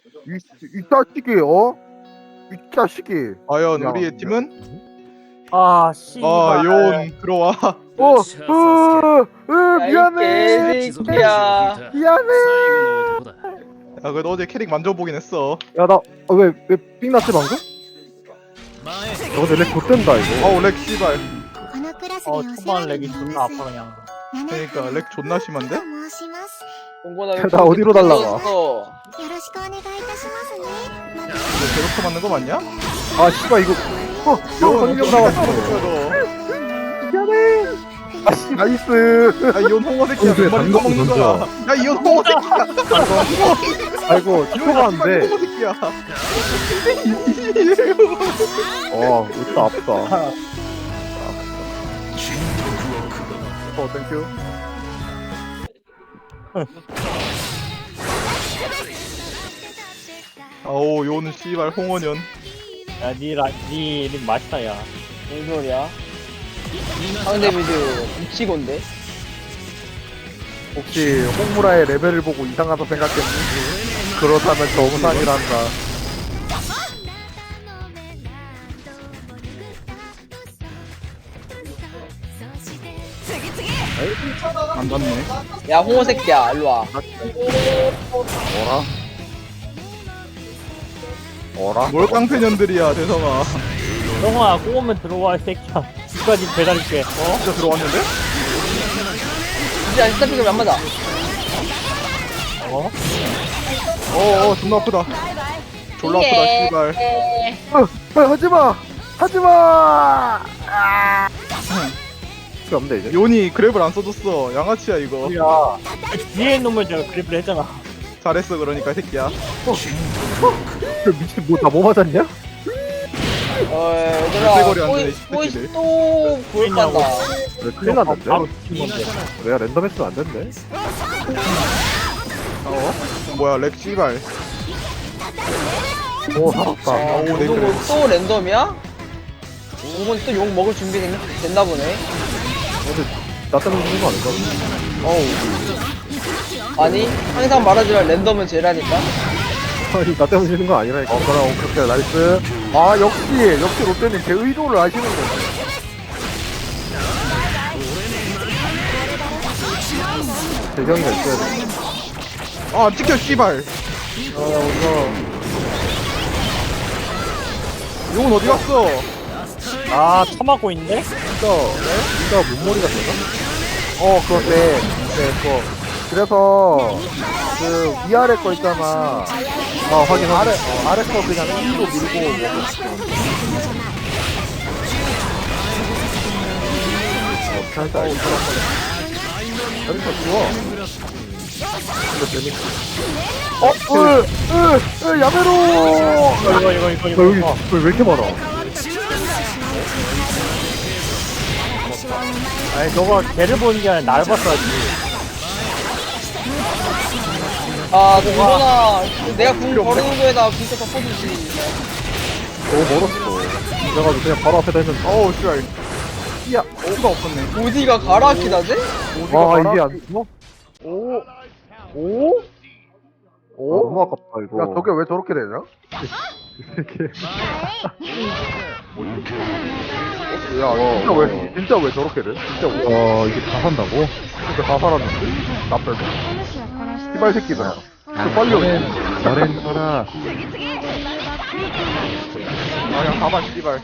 이 자식이 이 자식이 과연 야, 우리의 팀은? 아 씨발. 요온 들어와. 미안해 개새끼야. 미안해 야 그래도 어제 캐릭 만져보긴 했어. 야나왜삥 났지 방금? 근데 렉 좆된다 이거 어우 렉 씨발. 초반 렉이 존나 아파 그냥. 그러니까 렉 존나 심한데? 동건아 왜 나 어디로 그렇게 날라가? 늦었어? 이거 제로코 맞는 거 맞냐? 아 씨발 이거 성경 나왔어 미안해 아씨 나이스 야 이온 홍어 새끼야. 몇 마리 먹는 거야. 야 이온 홍어 새끼야. 아이고 축하하는데 홍어 새끼야. 진짜 아프다 땡큐 아오 요는 씨발 홍어년. 야니 이름 맛있다 야. 무슨 소리야? 상대 미드 미치곤데? 혹시 홍무라의 레벨을 보고 이상하다 생각했니? 그렇다면 정상이란다 안 닿네. 야 홍어 새끼야 일로와. 어라? 뭘 깡패년들이야 대성아. 형아 꼬우면 들어와 이 새끼야. 지금까지 배달할게. 진짜 들어왔는데? 진짜 스타핑을 안 맞아. 존나 아프다. 졸라 아프다 씨발. 하지마! 하지마! 필요 없네 이제 요니 그랩을 안 써줬어. 양아치야 이거. 야 뒤에 있는 놈을 제가 그래프를 했잖아. 잘했어 그러니까 이 새끼야. 미친 뭐 맞았냐? 물대거리 안 되네, 이 또또 새끼들. 또 보였단다. 왜 큰일 났는데? 바로 팀 건데. 내가 랜덤 했으면 안 됐네 뭐야 렉 씨발. 오 살았다 오 네, 이거 그래. 또 랜덤이야? 이건 또 욕 먹을 준비 됐나 보네. 나 때문에 죽는 거 아닌가? 아니 항상 말하지만 랜덤은 제라니까. 아니 나 때문에 지는 거 아니라니까 그럼 그렇게 나이스 역시 롯데님 제 의도를 아시는 거네 재경이가 있어야 돼 아 찍혀 씨발. 우리가 용은 어디 갔어? 처맞고 있는데? 진짜 몸머리가 되나? 그런데 그래서 그 위아래 거 있잖아 확인 아래 거 그냥 1로 밀고 살짝 여기서 지워 이거 재밌지 야메로 이거. 여기 왜 이렇게 많아 아니 너가 걔를 보는 게 아니라 날 봤어야지. 아 동건아 내가 궁 거르는 거에다 궁도 덮어주지. 너무 멀었어 그래가지고 그냥 바로 앞에다 했는데 어우 씨발. 야 어디가 없었네. 어디가 가라키다지? 이게 안 죽어? 너무 아깝다 이거 야 저게 왜 저렇게 되냐? 야 진짜 왜 저렇게 돼? 진짜 왜 이게 다 산다고? 진짜 다 살았는데? 나 빼고 씨발 새끼들 빨리 오네 너넨 서라 그냥 가봐 씨발.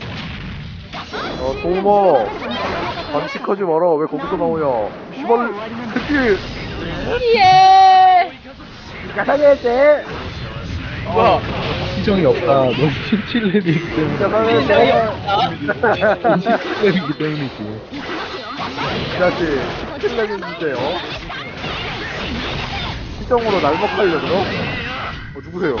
도우머 반칙하지 마라 왜 거기서 나오냐 씨발 새끼 예. 야사게제 뭐야? 시정이 없다. 너 17렙이기 때문에. 야사게제 17렙이기 때문이지. 이 자식 킬렉인데 시정으로 날먹하려고 누구세요?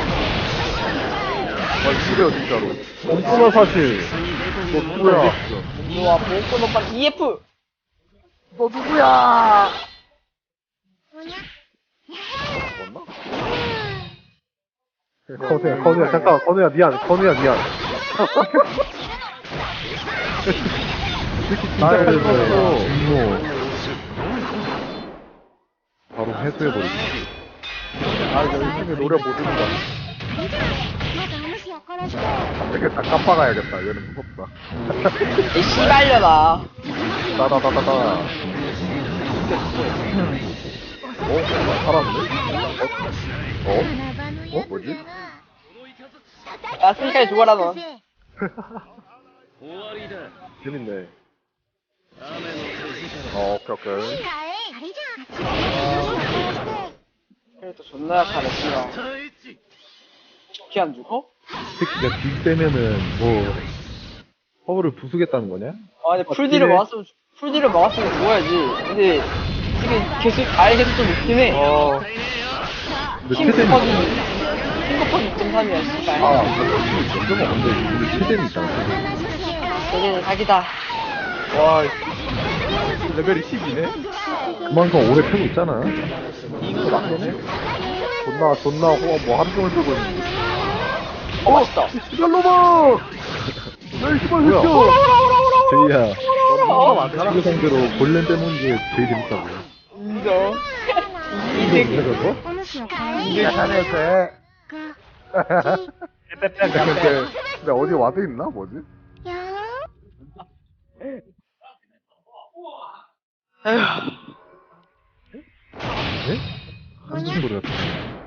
누구세요 진짜로 엉뚱한 사실 너 누구야 좋아 보고 오빠 EF. 너 누구야 건우야 잠깐 건우야 미안 나의 분노. 바로 해소해버리기. 아 이거 요즘에 노래 못 듣는다 이렇게 딱 깜빡아야겠다. 얘는 무섭다. 이 씨발려나. 따다다다다. 살았네? 뭐지? 야, 스니카에 죽어라, 너. 재밌네. 오케이. 캐릭터 존나 약하네, 씨발. 좋게 안 죽어? 새끼가 딜 빼면은 뭐 허브를 부수겠다는 거냐? 아, 근데 풀딜을 막았으면 죽어야지. 근데, 이게 계속, 계속 좀 높긴 해. 근데 킹 최대는 곱하기 6.3이야, 씨발. 그러면 근데 우리 최대는 있잖아. 얘는 사기다. 와 레벨이 10이네. 그만큼 오래 펴고 있잖아. 존나 뭐 하루 종일 쓰고 있는데. 맛있다. 시발로마! 야, 이 시발 뭐야? 새끼야! 제이야, 어, 친구 상대로 골렘 빼놓은 게 제일 재밌다고. 인정. 이거 뭐야 저거? 이게 잘했어. 근데 어디 와드 있나? 뭐지? 네? 무슨 소리 같아.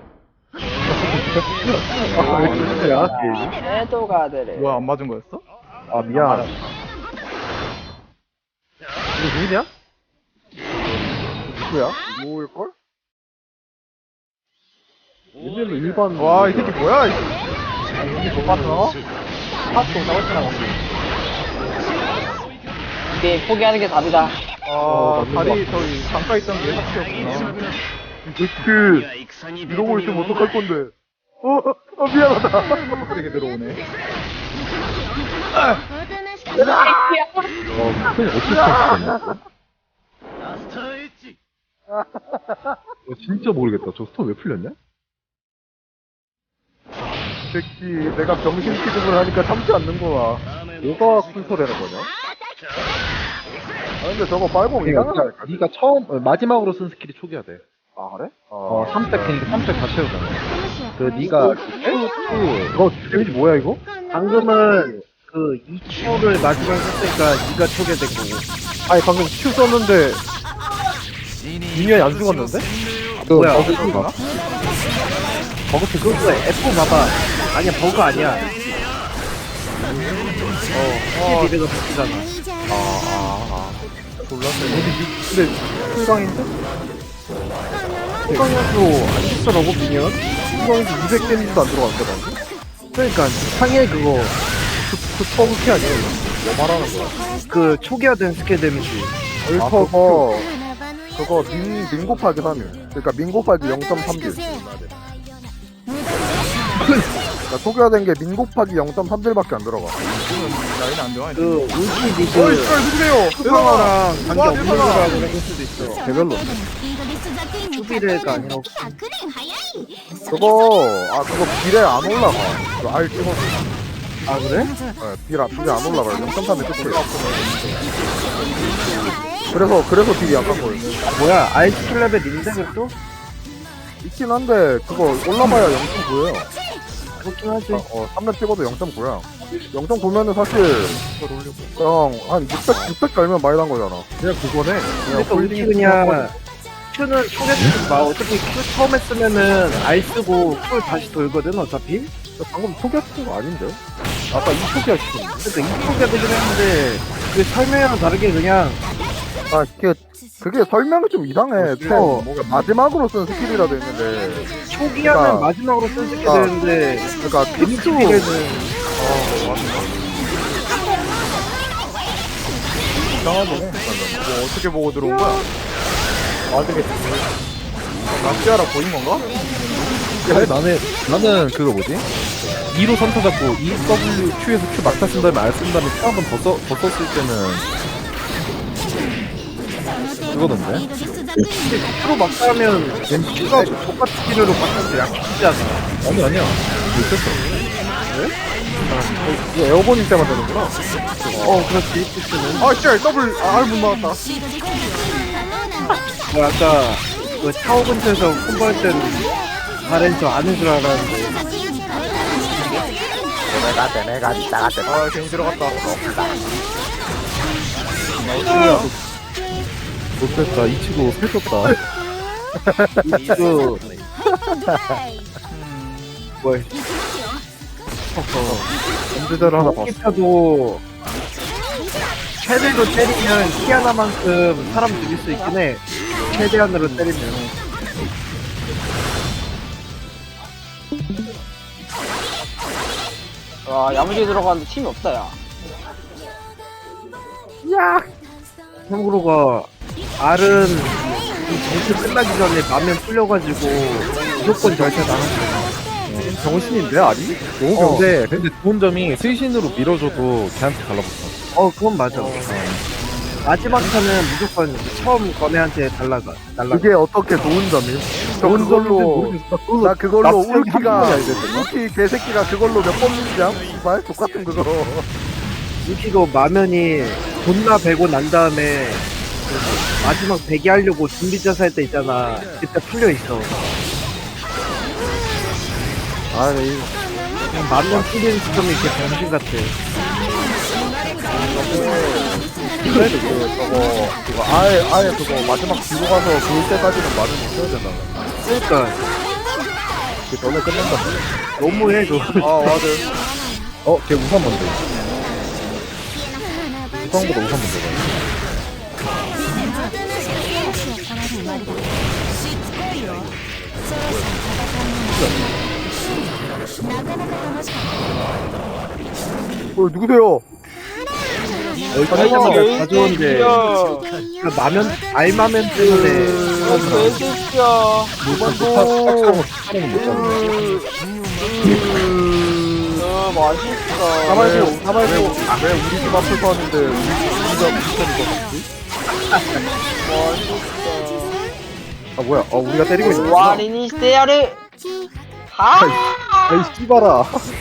야, 해도가 되래. 뭐야 안 맞은 거였어? 아, 미안. 이거 누구냐? 누구야? 누구일걸? 얘네는 일반. 와 이 새끼 뭐야? 이 못 봤어? 핫도 나왔잖아. 이게 포기하는 게 답이다. 맞는 다리 저기 잠깐 있던 게 삭제였구나. 그 이러고 있으면 어떡할 건데? 미안하다. 어떻게 들어오네. 그냥 어떻게 찾았냐? 진짜 모르겠다. 저 스톤 왜 풀렸냐? 새끼, 내가 병신 취급을 하니까 참지 않는구나. 뭐가 쿨터되는 거냐? 아, 근데 저거 빨공 이상하다니까. 네가 처음 마지막으로 쓴 스킬이 초기화 돼. 아, 그래? 3색 그러니까 3색 다 채우잖아. 그 네가 이거 데미지 뭐야, 이거? 방금은 그 2Q를 마지막에 썼으니까 네가 초기화된 거고. 아니, 방금 Q 썼는데, 미니언이 안 죽었는데? 뭐야? 버그인가? 버그 그거 F 봐봐. 아니야 버그 아니야. 스킬 미래가 바뀌잖아. 근데, 풀강인데? 풀강이어도 안 죽더라고, 미니언? 풀강인데 200 데미지도 안 들어갔는데, 방금? 그러니까 상해 그거 그 처음키 아니야, 이거? 뭐 말하는 거야? 그 초기화된 스킬 데미지. 아, 그거 민 곱하기 3일. 그러니까 민 곱하기 0.3딜. 그러니까 초기화된 게 민 곱하기 0.3딜밖에 안 들어가. 라인 안 좋아. 그 울티 리그 씨발 누구세요? 그거랑 관계 와, 없는 대박아. 거라고 생각할 수도 있어. 개별로. 수비레가 아니라 그거 빌에 안 올라가. 그 알 찍어서. 아 그래? 네, 빌에 안 올라가요. 0.3에 끝이에요. 그래서 딜이 약한 거예요. 뭐야 아이스킬 레벨 인덱을 또? 있긴 한데, 그거 올라봐야 0.9예요. 그렇긴 하지. 3렙 찍어도 0.9야. 0.9면은 사실, 그냥 한 600 갈면 많이 난 거잖아. 그냥 그거네. 그러니까 우리 그냥 Q는 초계 쓰지 마. 어차피 Q 처음에 쓰면은 알 쓰고 Q 다시 돌거든 어차피. 방금 초기화시킨 거 아닌데? 아까 2초기화 시켰는데? 그러니까 이 초기화 되긴 했는데 그 설명이랑 다르게 그냥 아, 그게 설명이 좀 이상해. 뭔가 마지막으로 쓴 스킬이라도 있는데. 초기화는 그러니까- 마지막으로 쓰게 그러니까- 되는데 그러니까 데미지 큐, 비례는 이상하네. 뭐 어떻게 보고 들어온 거야? 나시아라 보인 건가? 아니, 나는 그거 뭐지? 2로 선타 잡고 E, W, Q에서 Q 막타 쓴 다음에 R 쓴 다음에 Q 한번 더 썼을 때는 그거던데? Q로 막 하면 Q가 똑같은 기류로 바꿔서 약해지잖아. 아니야. 못했어. 이거 에어본일 때만 되는구나. 그렇지. Q는 아 진짜 더블 못 나왔다. 뭐 아까 그 타워 근처에서 콤보할 때는 바렌저 아는 줄 알았는데 아 괜히 들어갔다. 못됐다. 이 친구 펼쳤다. 이거 뭘 언제대로 하나 봤어. 기타도 최대로 때리면 키 하나만큼 사람 죽일 수 있긴 해. 최대한으로 때리면. 와, 야무지게 들어가는데 팀이 없다, 야. 참고로가 R은 이 정치 끝나기 전에 마면 풀려가지고 무조건 절대 나갔어. 정신인데 아니? 너무 근데 좋은 점이 스신으로 밀어줘도 걔한테 달라붙어. 그건 맞아. 마지막 타는 무조건 처음 거네한테 날라가. 그게 어떻게 좋은 점이? 좋은 그걸로 나 그걸로 납치하기 울키가 한 번이 알겠다. 울키 개새끼가 그걸로 몇 번 밀지야? 씨발 똑같은 그거. 유키도 마면이 존나 베고 난 다음에 마지막 배기 하려고 준비 자살 때 있잖아. 그때 풀려 있어. 아니 그냥 만년 풀리는 시점이 이렇게 병신 같아. 그래도 그거 아예 그거 마지막 뒤로 가서 볼 때까지는 말을 못해야 된다. 그러니까 그 전에 끝낸다. 너무해 그거. 아 맞아. 걔 우산 먼저. 우산보다 우산 먼저 가. 누구세요? 설명을 가져온데 그 마면 알마면 때문에 개새끼야. 맛있다. 가만히 왜 우리 집 앞을 봤는데 우리가 비슷한 거 같지? 아 뭐야? 우리가 때리고 있는 거야? 와리니 스테야르. 아이 씨발아.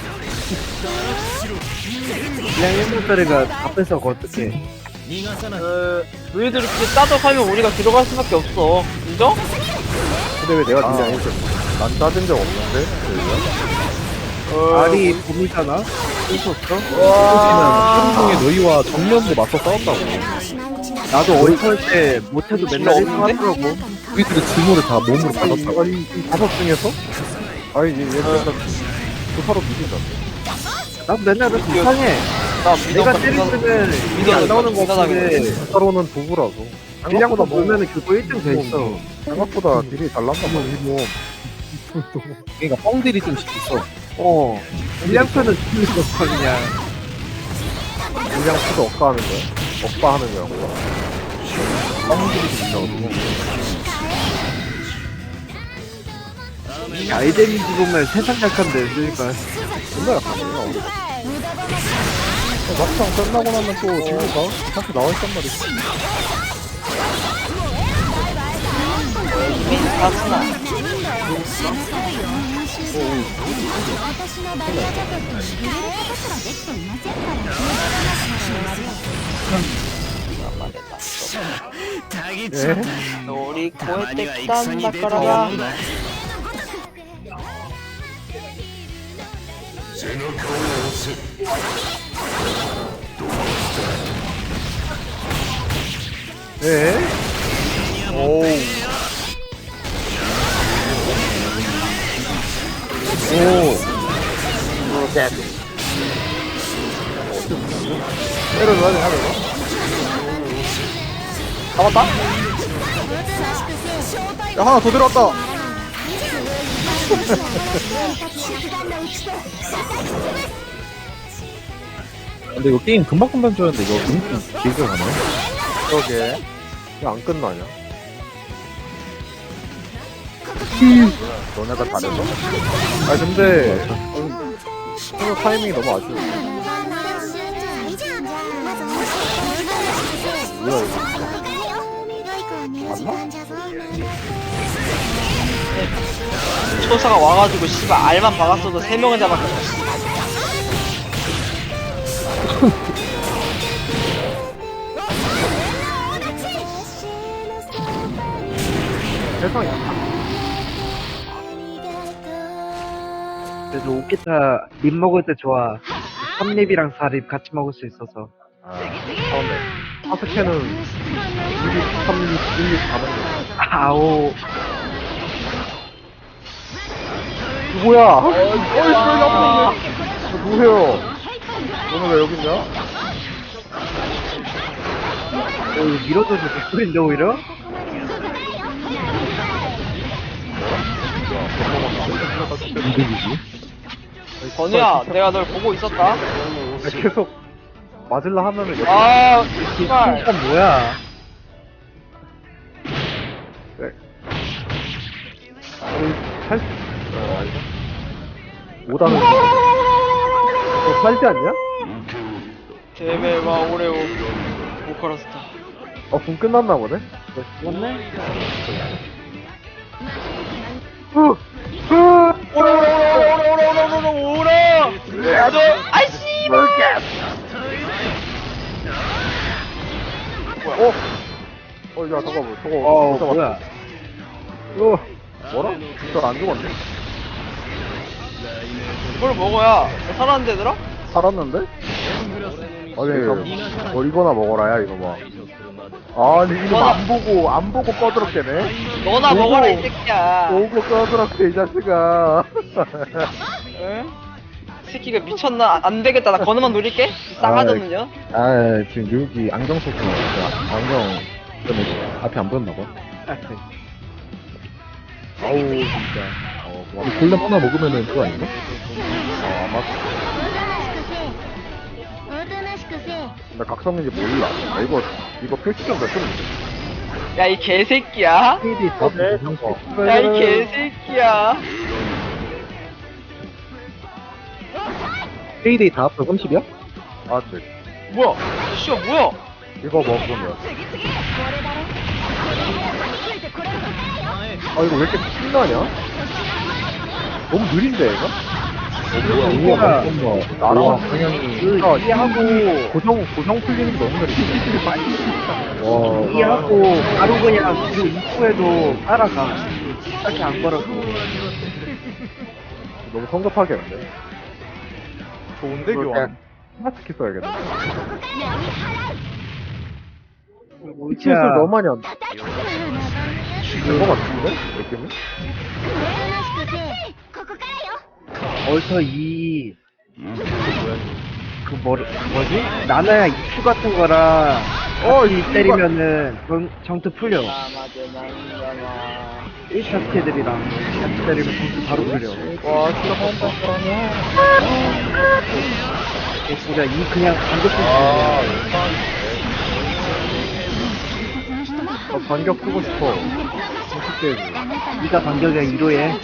그냥 1분짜리가 앞에서 어떡해. 너희들이 그렇게 따져가면 우리가 들어갈 수밖에 없어. 인정? 근데 왜 내가 등장했어? 난 따진 적 없는데? 알이 봄이잖아? 한동에 너희와 정면으로 맞서 싸웠다고. 나도 어이설 때 못해도 맨날 1등 하더라고. 우리들의 증오를 다 몸으로 받았다고. 아니 이 다섯 중에서? 아니 얘는 조사로 믿긴다. 나도 맨날 그렇게 이상해. 나 내가 때리면 이게 안 나오는 거 같은데 조사로는 도구라서. 질량도 보면은 그거 1등 돼 있어. 생각보다 딜이 잘 났나 봐. 그러니까 뻥들이 좀 있어. 질량표는 틀릴 수 없어 그냥. 그냥 수도 억가하는 거야. 억바하는 거야. 뻥들이 좀 있어가지고. 아이데미지 보면 세상 약한데 그러니까. 존나 약하네. 막상 끝나고 나면 또 딜로가 이렇게 나와있단 말이지. 민사스나. 우리 고에 땡딴 바까라가. 네. 오. 때려줘야 돼, 하면서. 잡았다? 야 하나 더 들어왔다. 근데 이거 게임 금방금방 좋았는데 이거 너무 길게 가네. 그러게. 이거 안 끝나냐? 너네가 잘해서? 아 근데 서로 타이밍이 너무 아쉬워. 뭐야 이거? 맞나? 초사가 와가지고 씨발 알만 박았어도 3명은 잡았겠다. 세상이 약한. 그래서 오키타 립 먹을 때 좋아. 3립이랑 4립 같이 먹을 수 있어서. 아, 처음에. 파스케는 2립, 3립, 1립 다 먹는 아오. 누구야? 어이, 나 누구세요? 너는 왜 여기 있냐? 밀어줘도 개꿀인데, 오히려? 이득이지. 건우야, 내가 널 보고 있었다. 계속 맞을라 하면은 여기 아, 씨발. 이건 뭐야? 살, 아니다. 5단은 너 살지 않냐? 데메와 오레오 보컬스타. 분 끝났나 보네? 맞네? 오라. 아이씨. 야, 잠깐만, 저거. 뭐야? 뭐라? 진짜 안 죽었네? 이걸 먹어야 살았는데 얘들아? 살았는데? 아니, 이거나 먹어라야, 이거 봐. 아니, 이거 안 보고 꺼드럽게네? 너나 보고. 먹어라 이 새끼야. 보고 꺼드럽게, 이 자식아. 응? 이 새끼가 미쳤나? 안 되겠다. 나 건우만 노릴게. 싸가지는요. 아 지금 여기 안경 썼구나. 안경 때문에 앞이 안 보였나 봐. 아우, 진짜. 고맙다. 골렘 하나 먹으면은 그거 아닌가? 아마. 나 각성인지 몰라. 나 이거 표시점 몇 점인데? 야 이 개새끼야. PD 더 야 이 개새끼야. 페이데이 다 합쳐 30이야? 아, 네. 뭐야? 씨야 뭐야? 이거 먹으면. 아, 이거 왜 이렇게 신나냐? 너무 느린데, 얘가? 뭐야? 나랑 방향이 이해하고 고정 풀리는 게 너무 느리지. 이해하고 바로 그냥 그 입구에도 따라가. 딱히 안 걸어도. 너무 성급하게 했는데. 좋은데 이거 교환. 그냥 스마트키 써야겠네. 뭐야? 실수를 너무 많이 한다. 된거 같은데? 느낌이? 얼터 2. 뭐지? 나나야 이슈 같은 거랑 같이 때리면은 정트 풀려. 1차 스킬들이랑 같이 때리면 정트 바로 풀려. 와, 진짜 한다, 진짜 이 그냥 반격 반격 쓰고 싶어. 진짜 니가 반격이야 1호에.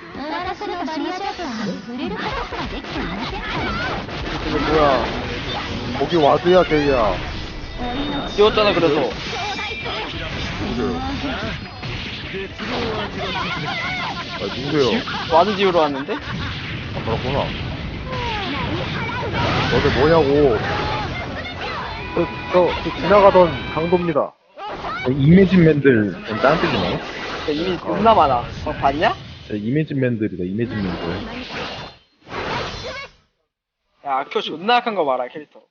이게 뭐야? 거기 와드야, 제이야. 지웠잖아 그래서. 누구세요? 와드 지우러 왔는데? 아, 그렇구나. 너들 뭐냐고. 저 지나가던 강도입니다. 이매진맨들 딴 뜻이 나요? 야, 이미 겁나 많아. 봤냐? 이매진맨들이다 이매진맨들. 야 아큐 존나 약한 거 봐라 캐릭터.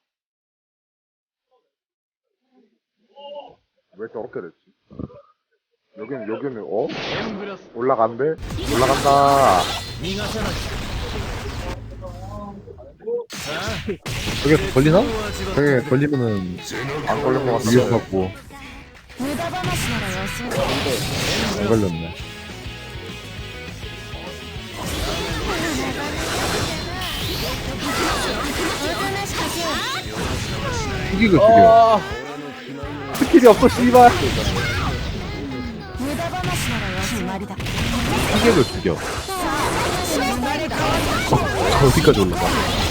왜 저렇게 됐지? 여기는, 올라간대? 올라간다. 저게 걸리나? 저게 걸리면은 안 걸린 것 같아. 위협받고 안 걸렸네. 죽이고 죽여. 스킬이 없어, 씨발. 피격을 죽여. 어디까지 올라가?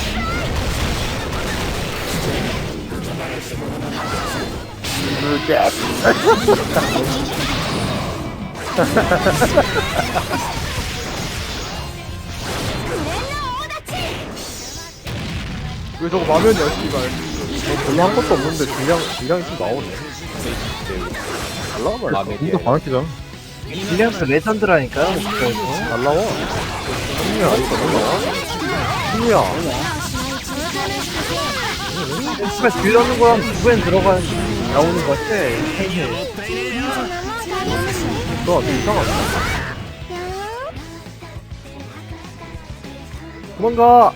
왜 저거 마면이야 씨발. 별로 한 것도 없는데 질량이 좀 나오네. 잘 나와 말이야. 진짜 방학기잖아. 딜량스 레전드라니까요. 잘 나와. 승리야, 이거 잘 나와. 승리야. 정말 들려는 거랑 두번 나오는 거 같아. 너 이상하다. 도망가.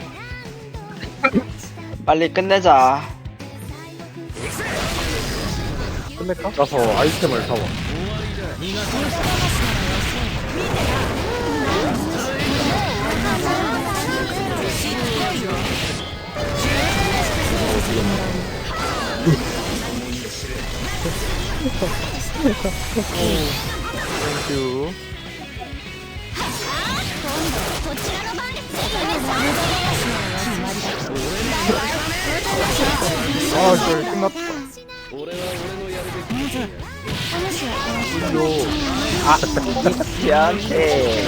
빨리 끝내자. 끝낼까? 가서 아이템을 사와. 땡큐. 아, 저 끝났다. 미안해.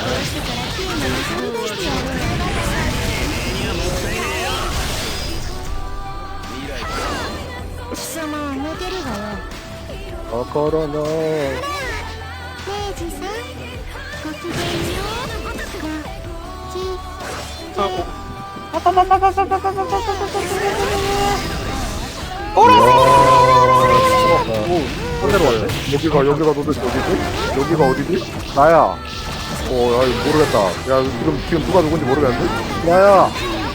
코로나. 明治さんごきげんよう 반대로 왔네. 여기가 도대체 어디지? 여기가 어디지? 나야. 야, 이거 모르겠다. 야, 지금 누가 누군지 모르겠는데? 나야.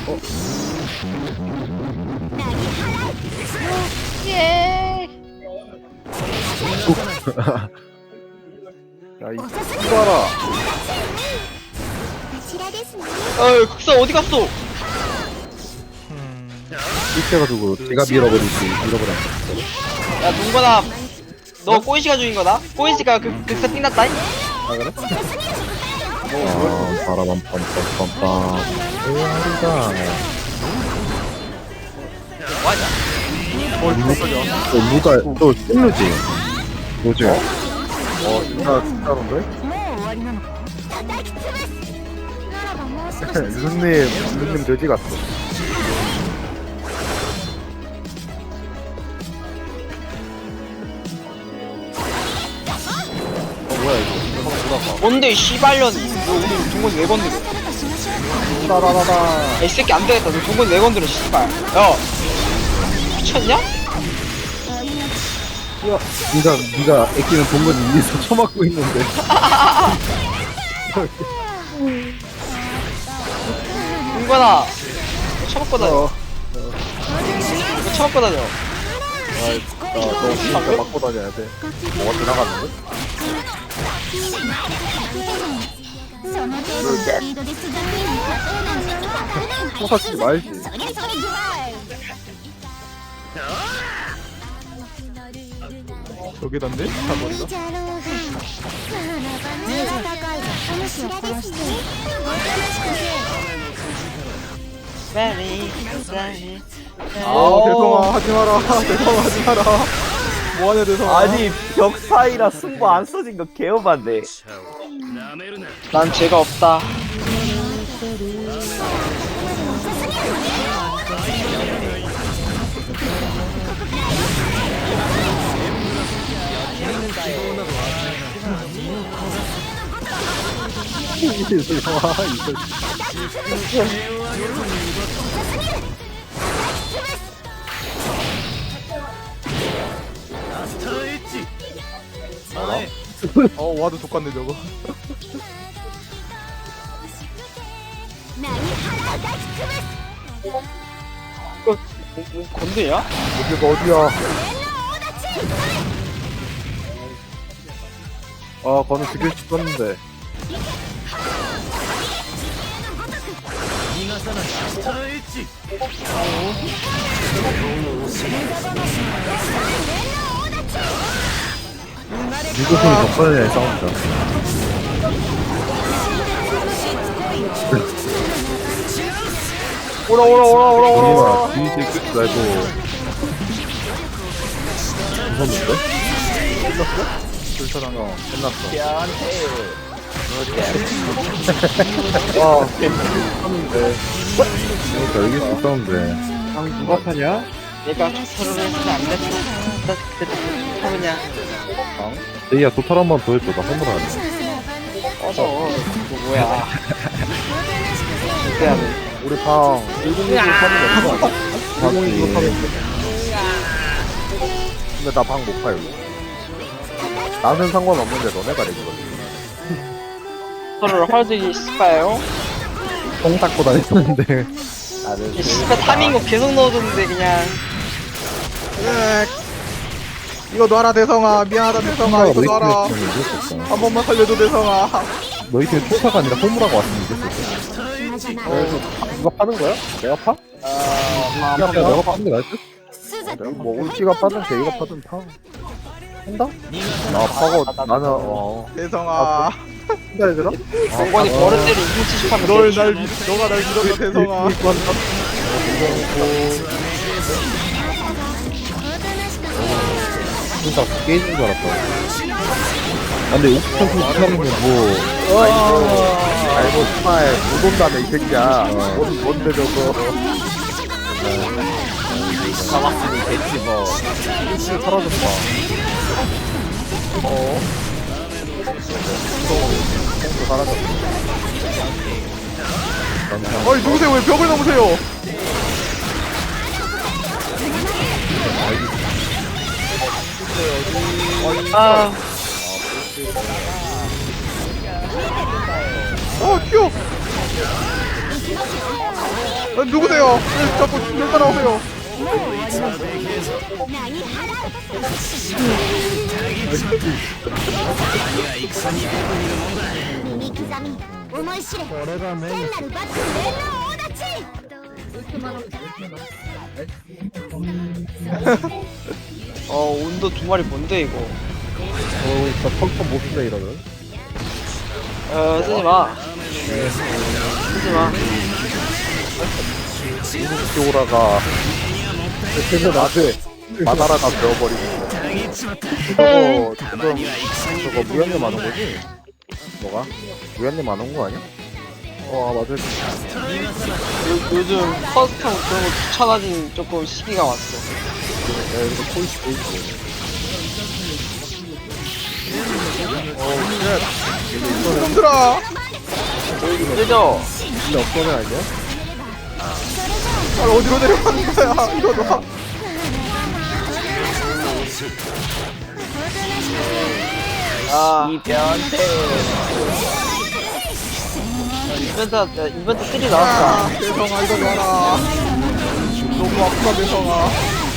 야, 이 봐라. こちらですね 어이, 국사 어디 갔어? 삐쳐가지고 제가 밀어버렸어. 야, 동건아. 너 꼬이시가 중인 거다? 꼬이시가 극사 띵났다잉? 바라밤 빰빰빰빰. 오하리다. 누가 또 찔르지? 뭐죠? 진짜로인데? もう終わりなのか叩き潰すならばもう少し 유승님 돼지 같어. 뭔데, 이 씨발년이. 너 우리 동건 4번 들어. しましょう 따라라라. 야, 이 새끼 안 되겠다. 너 동건 4번 들어, 씨발. 야. 미쳤냐? 네가 애끼는 동건이 위에서 처맞고 있는데. 동건아. 너 처먹고 다녀. 너 처먹고 다녀. 너 진짜 맞고 다녀야 돼. 뭐가 지나갔는데? その程度のスピードでスガミに勝てるなんて勝てる 포사치지 말지. それそれい 여기던데? い 사거리가? じゃろうがならば戦いお主らですねおとなしくせ Very sorry. 대성아, 하지 마라. 대성아, 하지 마라. 뭐하냐, 대성아. 아니 벽 사이라 승부 안 써진 거 개어반데. 난 죄가 없다. 와도 족같네, 저거. 波原抱き潰す 건드냐? 여기가 어디야? 거는 죽일 수 있었는데. 미국은 덕분에 싸운다. 오라. 뒤에 끝 말고. 무섭는데? 불타당. 끝났어. 와, 그러니까 이길 수 있었는데. 방 누가 타냐? 내가 토토로를 했으면 안 됐어. 나 그때 토토로냐? 제이야 도탈 한 번 더 해줘. 나 허물하네. 꺼져. 이거 뭐야? 절대 안 해. 우리 방 106으로 타는 게 없어. 106으로 타는 게 근데 나 방 못 파요. 나는 상관없는데 너네가 내거든. 서로를 헐들기 싶어요. 똥 닦고 다녔는데. 이 씨발 타밍 거 계속 넣어줬는데 그냥. 이거 놔라 대성아. 미안하다 대성아. 이거 놔라. 한 번만 살려줘 대성아. 너희 팀 초사가 아니라 호무라고 왔으면 이겼을 이거 파는 거야? 내가 파? 야, 내가 파는 게 나을 듯? 뭐 울지가 파든 제이가 파든 파. 한다? 나 파고 나는 대성아. 한다 얘들아? 정권이 버릇대로 270하면 너가 날 믿었다 대성아. 진짜 깨진 줄 알았다. 아, 근데 옥수수 이상한 건 뭐. 아이고 정말 못 온다네 이 새끼야. 뭔데 저거. 잡았으니 됐지 뭐. 사라졌다. 사라졌다. 어이 누구세요? 왜 벽을 넘으세요? 아, 튀어. 누구세요? 왜 자꾸 절 따라오세요? 온도 두 마리 뭔데 이거? 진짜 펑펑 못 쓰네 이러면. 쓰지 마. 쓰지 마. 키오라가 그래서 나한테 마다라가 되어버리고. 저거 무연님 안 온 거지? 뭐가? 무연님 안 온 거 아니야? 맞을 요즘 커스텀 그런 거 귀찮아진 조금 시기가 왔어. 이거 포이스. 놈들아. 그죠? 근데 없어는 아니야? 날 어디로 내려가는 거야? 이거 놔. 이 변태. 이벤트 3 나왔다. 대성아 이거 놔라. 너무 아프다 대성아.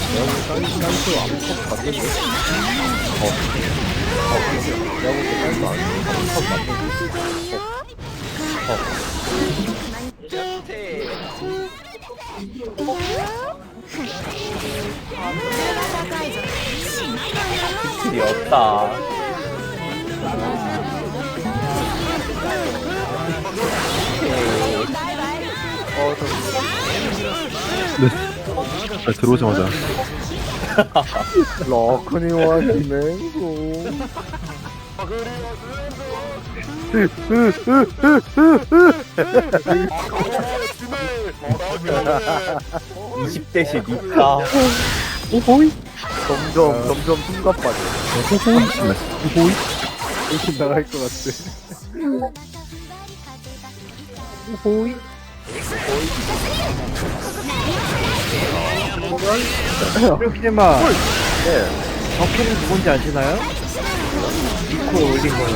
필이 없다. 네, 들어오자마자. 러크니와 진행소. 이십 대씩 있다. 오호이? 점점 숨가 빠져. 오호이? 이렇게 나갈 것 같아. 오호이? 이렇게만 네. 버클이 누군지 아시나요? 이코 올린 거는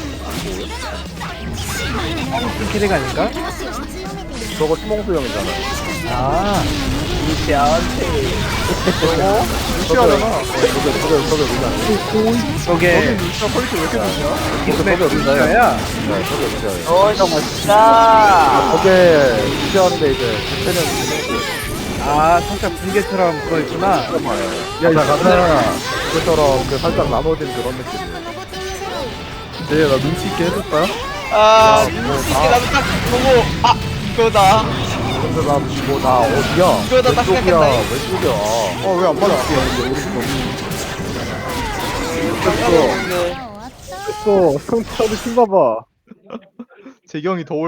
캐릭 아닌가? 저거 수몽수형이잖아. 아 이 변태. 무시하잖아. 저게 우리가. 저게 진짜 퀄리티 왜 이렇게 좋냐? 기존의 우리나야. 네, 저게 우리가. 멋있다. 저게 무시하는데 이제 대체는 수몽수. 아 살짝 붕괴처럼 그거 있구나. 야, 가자. 그처럼 그 살짝 나눠진 그런 느낌이야. 네, 나 눈치 있게 해줄까? 눈치 있게 나도 딱 보고, 그거다. 근데 나 어디야? 이거다 딱 왼쪽이야, 생각했다. 왼쪽이야. 왜 안 맞아? 네. 또, 성차도 신봐봐. 재경이 더